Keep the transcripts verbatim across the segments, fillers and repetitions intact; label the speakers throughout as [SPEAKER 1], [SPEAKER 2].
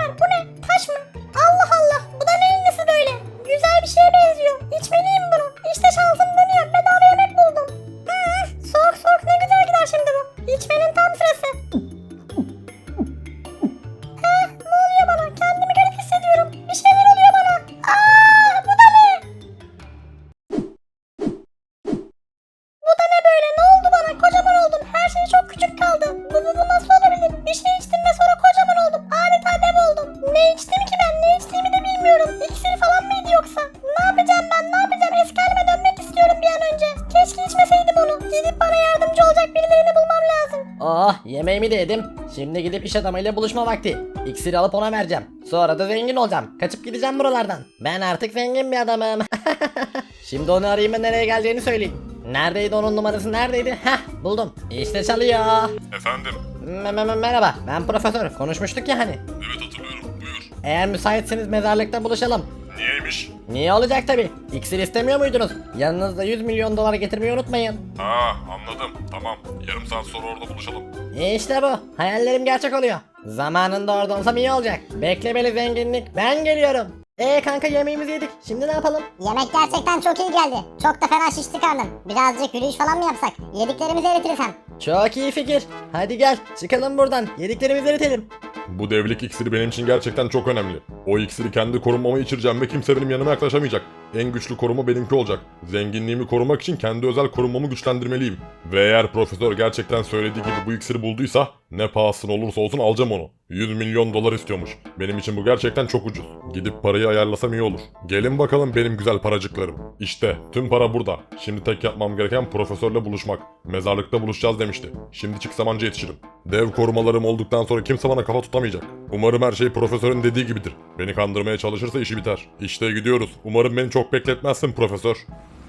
[SPEAKER 1] var. Bu ne? Taş mı? Allah Allah. Bu da neyin nesi böyle? Güzel bir şeye benziyor. İçmeliyim bunu. İşte şansım dönüyor. Bedava yemek buldum. Hı, soğuk soğuk ne güzel gider şimdi bu. İçmenin tam sırası. Heh, ne oluyor bana? Kendimi garip hissediyorum. Bir şeyler oluyor bana. Aa, bu da ne? Bu da ne böyle? Ne oldu bana? Kocaman oldum. Her şey çok küçük kaldı. Bu, bu, bu nasıl olabilir? Bir şey içtim ve sonra kocaman oldum. Adeta dev oldum. Ne içtim ki ben? Ne içtiğimi de bilmiyorum. İksir falan mıydı yoksa? Ne yapacağım ben? Ne yapacağım? Eski halime dönmek istiyorum bir an önce. Keşke içmeseydim onu. Gidip bana yardımcı olacak birilerini bulmam lazım.
[SPEAKER 2] Oh, yemeğimi de yedim. Şimdi gidip iş adamıyla buluşma vakti. İksiri alıp ona vereceğim. Sonra da zengin olacağım. Kaçıp gideceğim buralardan. Ben artık zengin bir adamım. Şimdi onu arayayım ve nereye geleceğini söyleyeyim. Neredeydi onun numarası, neredeydi? Heh, buldum. İşte çalıyor.
[SPEAKER 3] Efendim?
[SPEAKER 2] M- m- merhaba, ben profesör. Konuşmuştuk ya hani.
[SPEAKER 3] Evet hatırlıyorum. Buyur.
[SPEAKER 2] Eğer müsaitseniz mezarlıkta buluşalım.
[SPEAKER 3] Niyeymiş?
[SPEAKER 2] Niye olacak tabi? İksir istemiyor muydunuz? Yanınızda yüz milyon dolar getirmeyi unutmayın.
[SPEAKER 3] Ha anladım. Tamam. Yarım saat sonra orada buluşalım.
[SPEAKER 2] İşte bu. Hayallerim gerçek oluyor. Zamanında orada olsam iyi olacak. Bekle beni zenginlik. Ben geliyorum. Ee kanka yemeğimizi yedik. Şimdi ne yapalım?
[SPEAKER 1] Yemek gerçekten çok iyi geldi. Çok da fena şişti karnım. Birazcık yürüyüş falan mı yapsak? Yediklerimizi eritiriz hem.
[SPEAKER 2] Çok iyi fikir. Hadi gel çıkalım buradan. Yediklerimizi eritelim.
[SPEAKER 3] Bu devlik iksiri benim için gerçekten çok önemli. O iksiri kendi korunmama içireceğim ve kimse benim yanıma yaklaşamayacak. En güçlü koruma benimki olacak. Zenginliğimi korumak için kendi özel korunmamı güçlendirmeliyim. Ve eğer profesör gerçekten söylediği gibi bu iksiri bulduysa ne pahasına olursa olsun alacağım onu. yüz milyon dolar istiyormuş. Benim için bu gerçekten çok ucuz. Gidip parayı ayarlasam iyi olur. Gelin bakalım benim güzel paracıklarım. İşte tüm para burada. Şimdi tek yapmam gereken profesörle buluşmak. Mezarlıkta buluşacağız demişti. Şimdi çıksam anca yetişirim. Dev korumalarım olduktan sonra kimse bana kafa tutamayacak. Umarım her şey profesörün dediği gibidir. Beni kandırmaya çalışırsa işi biter. İşte gidiyoruz. Umarım beni çok bekletmezsin profesör.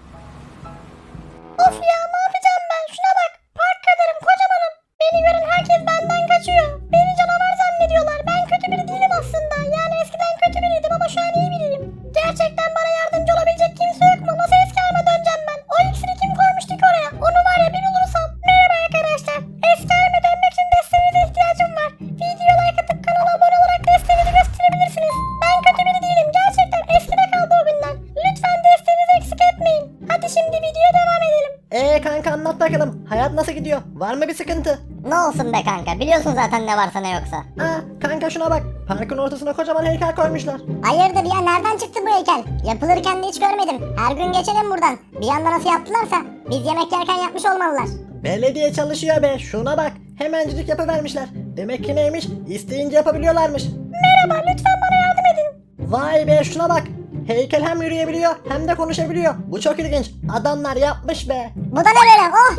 [SPEAKER 1] Of ya ne yapacağım ben? Şuna bak. Park kadarım kocamanım. Beni gören herkes benden kaçıyor. Beni canavar zannediyorlar. Ben kötü biri değilim aslında. Yani eskiden kötü biriydim ama şu an iyi biriyim. Gerçekten bana yardımcı olabilecek kimse yok mu? Nasıl eski halime döneceğim ben? O iksiri kim koymuştu ki oraya? Onu var ya bir bulursam. Merhaba arkadaşlar. Eski halime dönmek için desteğinize ihtiyacım var. Videoya like atıp kanala abone olarak desteğinizi gösterebilirsiniz. Ben kötü biri değilim. Gerçekten eskide kaldı o günler. Lütfen desteğinizi eksik etmeyin. Hadi şimdi videoya devam edelim.
[SPEAKER 2] Ee kanka anlat bakalım. Hayat nasıl gidiyor? Var mı bir sıkıntı?
[SPEAKER 1] Ne olsun be kanka. Biliyorsun zaten ne varsa ne yoksa.
[SPEAKER 2] Aa kanka şuna bak. Parkın ortasına kocaman heykel koymuşlar.
[SPEAKER 1] Hayırdır ya nereden çıktı bu heykel? Yapılırken de hiç görmedim. Her gün geçelim buradan. Bir anda nasıl yaptılarsa biz yemek yerken yapmış olmalılar.
[SPEAKER 2] Belediye çalışıyor be. Şuna bak. Hemencik yapıvermişler. Demek ki neymiş? İsteyince yapabiliyorlarmış.
[SPEAKER 1] Merhaba lütfen bana yardım edin.
[SPEAKER 2] Vay be şuna bak. Heykel hem yürüyebiliyor hem de konuşabiliyor. Bu çok ilginç. Adamlar yapmış be.
[SPEAKER 1] Bu da ne böyle? Oh!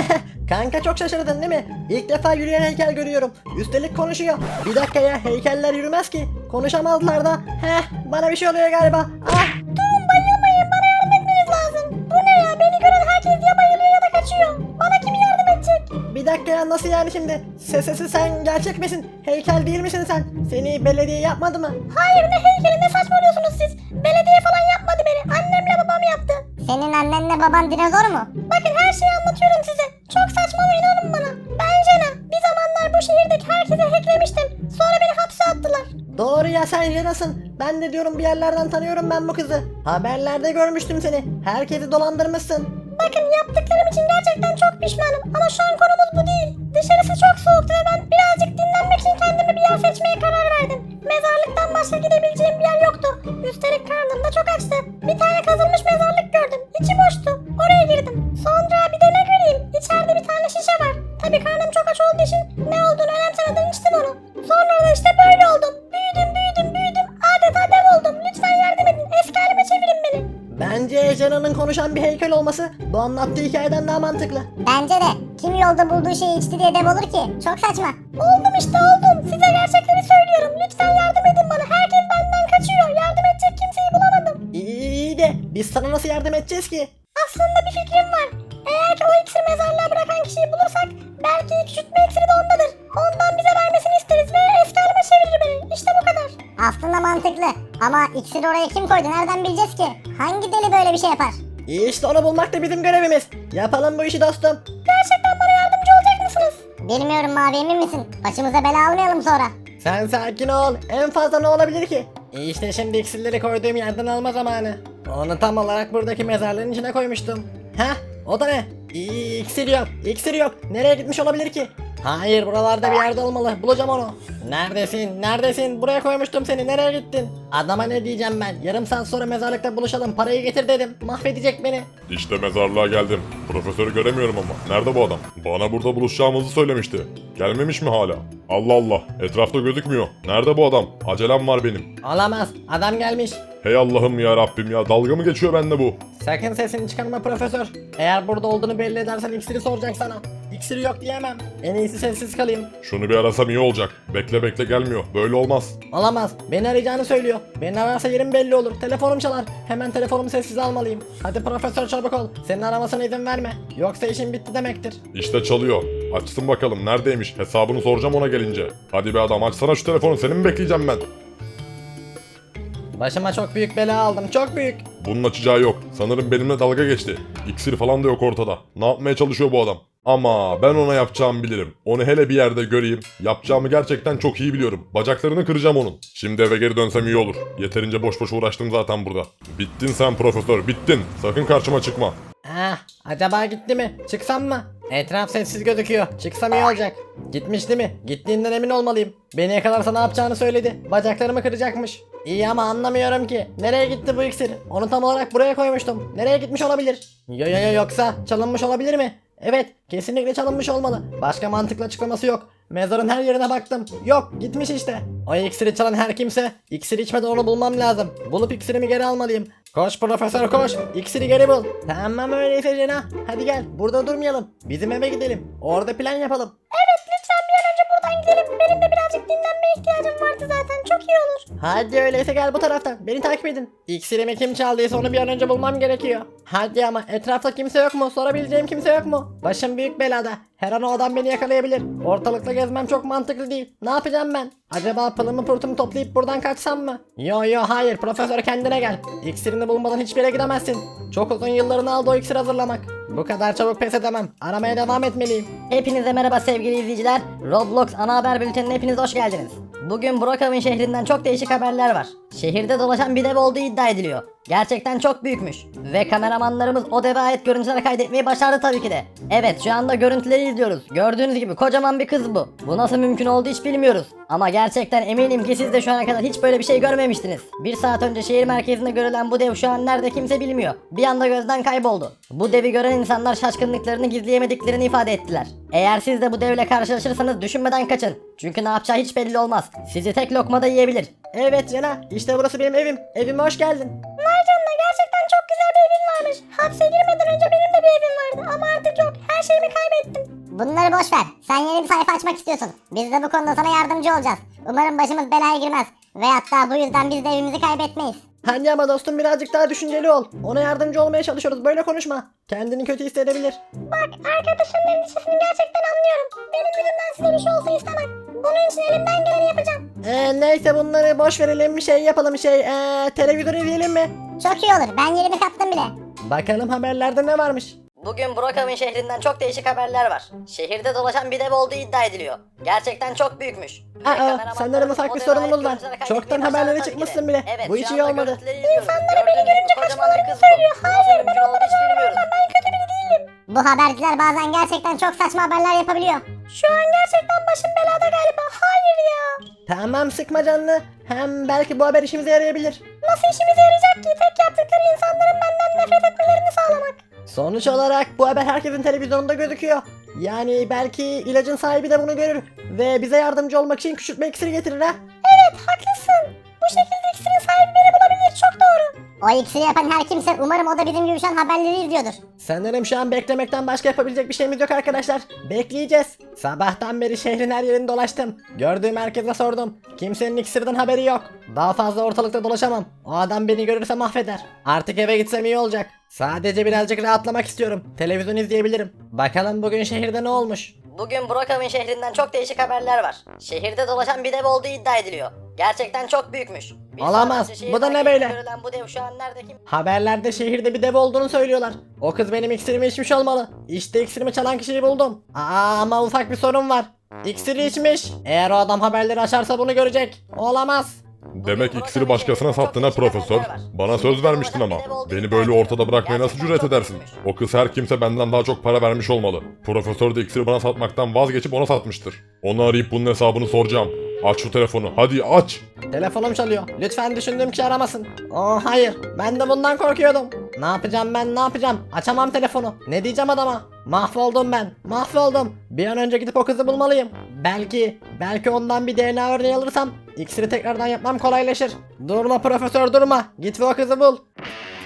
[SPEAKER 2] Kanka çok şaşırdın değil mi? İlk defa yürüyen heykel görüyorum. Üstelik konuşuyor. Bir dakika ya heykeller yürümez ki. Konuşamazlar da. Heh bana bir şey oluyor galiba. Ah.
[SPEAKER 1] Durun bayılmayın bana yardım etmeniz lazım. Bu ne ya beni gören herkes ya bayılıyor ya da kaçıyor. Bana kim yardım edecek?
[SPEAKER 2] Bir dakika ya nasıl yani şimdi? Sesesi sen gerçek misin? Heykel değil misin sen? Seni belediye yapmadı mı?
[SPEAKER 1] Hayır ne heykeli ne saçmalıyorsunuz siz? Belediye falan yapmadı beni. Annemle babam yaptı. Senin annenle baban dinozor mu? Bakın her şeyi anlatıyorum size. Çok saçma ama inanın bana. Ben Jenna. Bir zamanlar bu şehirdeki herkese hacklemiştim. Sonra beni hapse attılar.
[SPEAKER 2] Doğru ya sen Jena'sın. Ben de diyorum bir yerlerden tanıyorum ben bu kızı. Haberlerde görmüştüm seni. Herkesi dolandırmışsın.
[SPEAKER 1] Bakın yaptıklarım için gerçekten çok pişmanım ama şu an konumuz bu değil. Dışarısı çok soğuktu ve ben birazcık dinlenmek için kendime bir yer seçmeye karar verdim. Mezarlıktan başka gidebileceğim bir yer yoktu. Üstelik karnım da çok açtı. Bir tane kazılmış mezarlık gördüm. İçi boştu. Oraya girdim. Sonra bir de ne göreyim? İçeride bir tane şişe var. Tabii karnım çok aç olduğu için ne olduğunu önemsemeden içtim onu. Sonra da işte böyle oldum. Büyüdüm büyüdüm büyüdüm. Adeta dev oldum. Lütfen yardım edin. Eski halime çevirin beni.
[SPEAKER 2] Bence Jena'nın konuşan bir heykel olması bu anlattığı hikayeden daha mantıklı.
[SPEAKER 1] Bence de. Kim yolda bulduğu şeyi içti diye dev olur ki? Çok saçma. Oldum işte oldum. Size gerçekleri söylüyorum. Lütfen yardım edin bana. Herkes benden kaçıyor. Yardım edecek kimseyi bulamadım.
[SPEAKER 2] İyi, iyi de biz sana nasıl yardım edeceğiz ki?
[SPEAKER 1] Aslında bir fikrim var. Eğer ki o iksiri mezarlığa bırakan kişiyi bulursak belki küçültme iksiri de ondadır. Ondan bize vermesini isteriz ve eski halime çevirir beni. İşte bu kadar. Aslında mantıklı. Ama iksiri oraya kim koydu? Nereden bileceğiz ki? Hangi deli böyle bir şey yapar?
[SPEAKER 2] İyi işte onu bulmak da bizim görevimiz. Yapalım bu işi dostum.
[SPEAKER 1] Gerçekten bana yardımcı olacak mısınız? Bilmiyorum Mavi emin misin? Başımıza bela almayalım sonra.
[SPEAKER 2] Sen sakin ol. En fazla ne olabilir ki? İşte şimdi iksirleri koyduğum yerden alma zamanı. Onu tam olarak buradaki mezarlığın içine koymuştum. Heh, o da ne? İ- İksir yok, iksir yok. Nereye gitmiş olabilir ki? Hayır, buralarda bir yerde olmalı. Bulacağım onu. Neredesin? Neredesin? Buraya koymuştum seni. Nereye gittin? Adama ne diyeceğim ben? Yarım saat sonra mezarlıkta buluşalım. Parayı getir dedim. Mahvedecek beni.
[SPEAKER 3] İşte mezarlığa geldim. Profesörü göremiyorum ama. Nerede bu adam? Bana burada buluşacağımızı söylemişti. Gelmemiş mi hala? Allah Allah. Etrafta gözükmüyor. Nerede bu adam? Acelem var benim.
[SPEAKER 2] Olamaz. Adam gelmiş.
[SPEAKER 3] Hey Allah'ım ya Rabbim ya. Dalga mı geçiyor bende bu?
[SPEAKER 2] Sakın sesini çıkarma profesör. Eğer burada olduğunu belli edersen iksiri soracak sana. İksiri yok diyemem. En iyisi sessiz kalayım.
[SPEAKER 3] Şunu bir arasam iyi olacak. Bekle bekle gelmiyor. Böyle olmaz.
[SPEAKER 2] Olamaz. Beni arayacağını söylüyor. Beni ararsa yerim belli olur. Telefonum çalar. Hemen telefonumu sessize almalıyım. Hadi profesör çabuk ol. Senin aramasına izin verme. Yoksa işin bitti demektir.
[SPEAKER 3] İşte çalıyor. Açsın bakalım neredeymiş. Hesabını soracağım ona gelince. Hadi be adam açsana şu telefonu. Seni mi bekleyeceğim ben?
[SPEAKER 2] Başıma çok büyük bela aldım. Çok büyük.
[SPEAKER 3] Bunun açacağı yok. Sanırım benimle dalga geçti. İksir falan da yok ortada. Ne yapmaya çalışıyor bu adam? Ama ben ona yapacağımı bilirim. Onu hele bir yerde göreyim. Yapacağımı gerçekten çok iyi biliyorum. Bacaklarını kıracağım onun. Şimdi eve geri dönsem iyi olur. Yeterince boş boş uğraştım zaten burada. Bittin sen profesör, bittin. Sakın karşıma çıkma.
[SPEAKER 2] Ah, acaba gitti mi? Çıksam mı? Etraf sessiz gözüküyor. Çıksam iyi olacak. Gitmiş değil mi? Gittiğinden emin olmalıyım. Beni yakalarsa ne yapacağını söyledi. Bacaklarımı kıracakmış. İyi ama anlamıyorum ki. Nereye gitti bu iksir? Onu tam olarak buraya koymuştum. Nereye gitmiş olabilir? Yo yo yo yoksa çalınmış olabilir mi? Evet, kesinlikle çalınmış olmalı. Başka mantıklı açıklaması yok. Mezarın her yerine baktım. Yok, gitmiş işte. O iksiri çalan her kimse, iksir içmeden onu bulmam lazım. Bulup iksirimi geri almalıyım. Koş profesör koş, iksiri geri bul. Tamam öyleyse Cena. Hadi gel, burada durmayalım. Bizim eve gidelim. Orada plan yapalım.
[SPEAKER 1] Evet lütfen bir an önce buradan gidelim. Benim de birazcık dinlenmeye ihtiyacım vardı zaten. Çok iyi olur.
[SPEAKER 2] Hadi öyleyse gel bu taraftan. Beni takip edin. İksirimi kim çaldıysa onu bir an önce bulmam gerekiyor. Hadi ama etrafta kimse yok mu? Sorabileceğim kimse yok mu? Başım büyük belada. Her an o adam beni yakalayabilir. Ortalıkta gezmem çok mantıklı değil. Ne yapacağım ben? Acaba pılımı pırtımı toplayıp buradan kaçsam mı? Yo yo hayır profesör kendine gel. İksirini bulmadan hiçbir yere gidemezsin. Çok uzun yıllarını aldı o iksir hazırlamak. Bu kadar çabuk pes edemem. Aramaya devam etmeliyim.
[SPEAKER 4] Hepinize merhaba sevgili izleyiciler. Roblox ana haber bültenine hepiniz hoş geldiniz. Bugün Brookhaven şehrinden çok değişik haberler var. Şehirde dolaşan bir dev olduğu iddia ediliyor. Gerçekten çok büyükmüş. Ve kameramanlarımız o deve ait görüntüler kaydetmeyi başardı tabii ki de. Evet şu anda görüntüleri izliyoruz. Gördüğünüz gibi kocaman bir kız bu. Bu nasıl mümkün oldu hiç bilmiyoruz. Ama gerçekten eminim ki siz de şu ana kadar hiç böyle bir şey görmemiştiniz. Bir saat önce şehir merkezinde görülen bu dev şu an nerede kimse bilmiyor. Bir anda gözden kayboldu. Bu devi gören insanlar şaşkınlıklarını gizleyemediklerini ifade ettiler. Eğer siz de bu devle karşılaşırsanız düşünmeden kaçın. Çünkü ne yapacağı hiç belli olmaz. Sizi tek lokmada yiyebilir.
[SPEAKER 2] Evet Cena işte burası benim evim. Evime hoş geldin.
[SPEAKER 1] Vay canına gerçekten çok güzel bir evin varmış. Hapse girmeden önce benim de bir evim vardı ama artık yok. Her şeyimi kaybettim.
[SPEAKER 4] Bunları boş ver. Sen yeni bir sayfa açmak istiyorsun. Biz de bu konuda sana yardımcı olacağız. Umarım başımız belaya girmez. Ve hatta bu yüzden biz de evimizi kaybetmeyiz.
[SPEAKER 2] Hadi ama dostum birazcık daha düşünceli ol. Ona yardımcı olmaya çalışıyoruz. Böyle konuşma. Kendini kötü hissedebilir.
[SPEAKER 1] Bak arkadaşımın endişesini gerçekten anlıyorum. Benim yüzümden size bir şey olsa istemem. Bunun için elimden geleni yapacağım.
[SPEAKER 2] Ee, neyse bunları boş verelim. Bir şey yapalım şey. Ee, televizyon izleyelim mi?
[SPEAKER 4] Çok iyi olur. Ben yerimi kaptım bile.
[SPEAKER 2] Bakalım haberlerde ne varmış.
[SPEAKER 4] Bugün Brookhaven şehrinden çok değişik haberler var. Şehirde dolaşan bir dev olduğu iddia ediliyor. Gerçekten çok büyükmüş. Ve
[SPEAKER 2] Aa,
[SPEAKER 4] kameramanlarımız
[SPEAKER 2] sanırım ufak
[SPEAKER 4] o
[SPEAKER 2] bir
[SPEAKER 4] deve
[SPEAKER 2] sorunumuz
[SPEAKER 4] ait
[SPEAKER 2] var.
[SPEAKER 4] görüntüleri
[SPEAKER 2] Çoktan
[SPEAKER 4] kaydetmeyi
[SPEAKER 2] haberlere
[SPEAKER 4] başardı tabii ki de.
[SPEAKER 2] çıkmışsın bile.
[SPEAKER 4] Evet,
[SPEAKER 2] Bu
[SPEAKER 4] şu
[SPEAKER 2] hiç
[SPEAKER 4] anda
[SPEAKER 2] iyi olmadı.
[SPEAKER 4] görüntüleri izliyoruz.
[SPEAKER 1] İnsanlar beni
[SPEAKER 4] Gördüğünüz
[SPEAKER 1] görünce
[SPEAKER 4] gibi kocaman bir
[SPEAKER 1] kaçmalarını
[SPEAKER 4] kız bu.
[SPEAKER 1] söylüyor.
[SPEAKER 4] Nasıl
[SPEAKER 1] Hayır ben
[SPEAKER 4] mümkün olduğunu
[SPEAKER 1] onlara
[SPEAKER 4] hiç bilmiyoruz.
[SPEAKER 1] söylüyorum. Ben kötü biri değilim.
[SPEAKER 4] Bu haberciler bazen gerçekten çok saçma haberler yapabiliyor.
[SPEAKER 1] Şu an gerçekten başım belada galiba. Hayır ya.
[SPEAKER 2] Tamam sıkma canını. Hem belki bu haber işimize yarayabilir.
[SPEAKER 1] Nasıl işimize yarayacak ki? Tek yaptıkları insanların benden nefret etmelerini sağlamak.
[SPEAKER 2] Sonuç olarak bu haber herkesin televizyonunda gözüküyor. Yani belki ilacın sahibi de bunu görür. Ve bize yardımcı olmak için küçültme iksiri getirir ha.
[SPEAKER 1] Evet haklısın. Bu şekilde iksirin sahibi beni bulabilir. Çok doğru.
[SPEAKER 4] O iksiri yapan her kimse umarım o da bizim gibi şu an haberleri izliyordur.
[SPEAKER 2] Sanırım şu an beklemekten başka yapabilecek bir şeyimiz yok arkadaşlar. Bekleyeceğiz. Sabahtan beri şehrin her yerini dolaştım. Gördüğüm herkese sordum. Kimsenin iksirden haberi yok. Daha fazla ortalıkta dolaşamam. O adam beni görürse mahveder. Artık eve gitsem iyi olacak. Sadece birazcık rahatlamak istiyorum. Televizyon izleyebilirim. Bakalım bugün şehirde ne olmuş?
[SPEAKER 4] Bugün Brookhaven şehrinden çok değişik haberler var. Şehirde dolaşan bir dev olduğu iddia ediliyor. Gerçekten çok büyükmüş. Bir
[SPEAKER 2] Olamaz.
[SPEAKER 4] saat önce şehir
[SPEAKER 2] Bu da ne
[SPEAKER 4] merkezinde
[SPEAKER 2] böyle?
[SPEAKER 4] görülen bu dev şu an nerede kim?
[SPEAKER 2] Haberlerde şehirde bir dev olduğunu söylüyorlar. O kız benim iksirimi içmiş olmalı. İşte iksirimi çalan kişiyi buldum. Aa ama ufak bir sorun var. İksiri içmiş. Eğer o adam haberleri açarsa bunu görecek. Olamaz.
[SPEAKER 3] Demek iksiri başkasına sattın ha profesör. Bana söz vermiştin ama. Beni böyle ortada bırakmaya nasıl cüret edersin? O kız her kimse benden daha çok para vermiş olmalı. Profesör de iksiri bana satmaktan vazgeçip ona satmıştır. Onu arayıp bunun hesabını soracağım. Aç şu telefonu. Hadi aç.
[SPEAKER 2] Telefonum çalıyor. Lütfen düşündüğüm kişi aramasın. Oh hayır. Ben de bundan korkuyordum. Ne yapacağım ben ne yapacağım? Açamam telefonu. Ne diyeceğim adama? Mahvoldum ben. Mahvoldum. Bir an önce gidip o kızı bulmalıyım. Belki, belki ondan bir D N A örneği alırsam iksiri tekrardan yapmam kolaylaşır. Durma profesör durma. Git ve o kızı bul.